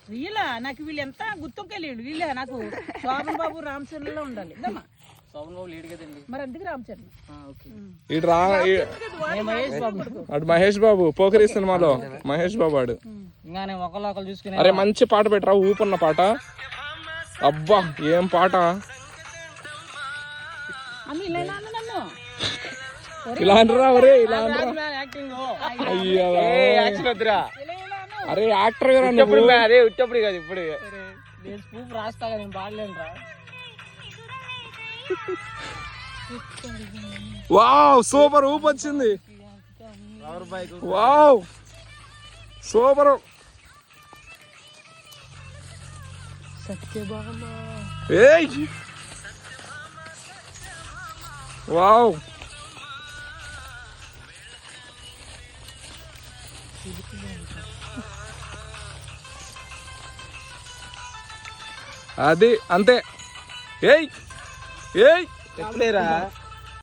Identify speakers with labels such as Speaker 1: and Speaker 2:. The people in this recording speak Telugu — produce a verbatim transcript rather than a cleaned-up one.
Speaker 1: వీళ్ళ నాకు వీళ్ళు ఎంత గుర్తుకెళ్ళి వీళ్ళే నాకు శోభన్ బాబు రామ్ చరణ్ లో ఉండాలి శోభన్ బాబు లేడు కదండి మరి అందుకు రామ్ చరణ్
Speaker 2: ఇటు రా అటు మహేష్ బాబు పోకరి సినిమాలో మహేష్ బాబు ఆడు. అరే మంచి పాట పెట్టరా, ఊపున్న పాట. అబ్బా ఏం పాట. ఇలా అంటారా ఒరే, ఇలా అంటారా. అయ్యా అరే యాక్టర్ గారు అదే ఉట్టప్పుడు కాదు ఇప్పుడు రాస్తా కదా నేను పాడలేను రా. వావ్ సూపర్ ఊపు వచ్చింది. Wow super. ఏయ్ వావ్ అది అంతే. ఏయ్ ఏయ్ ఎట్లేరా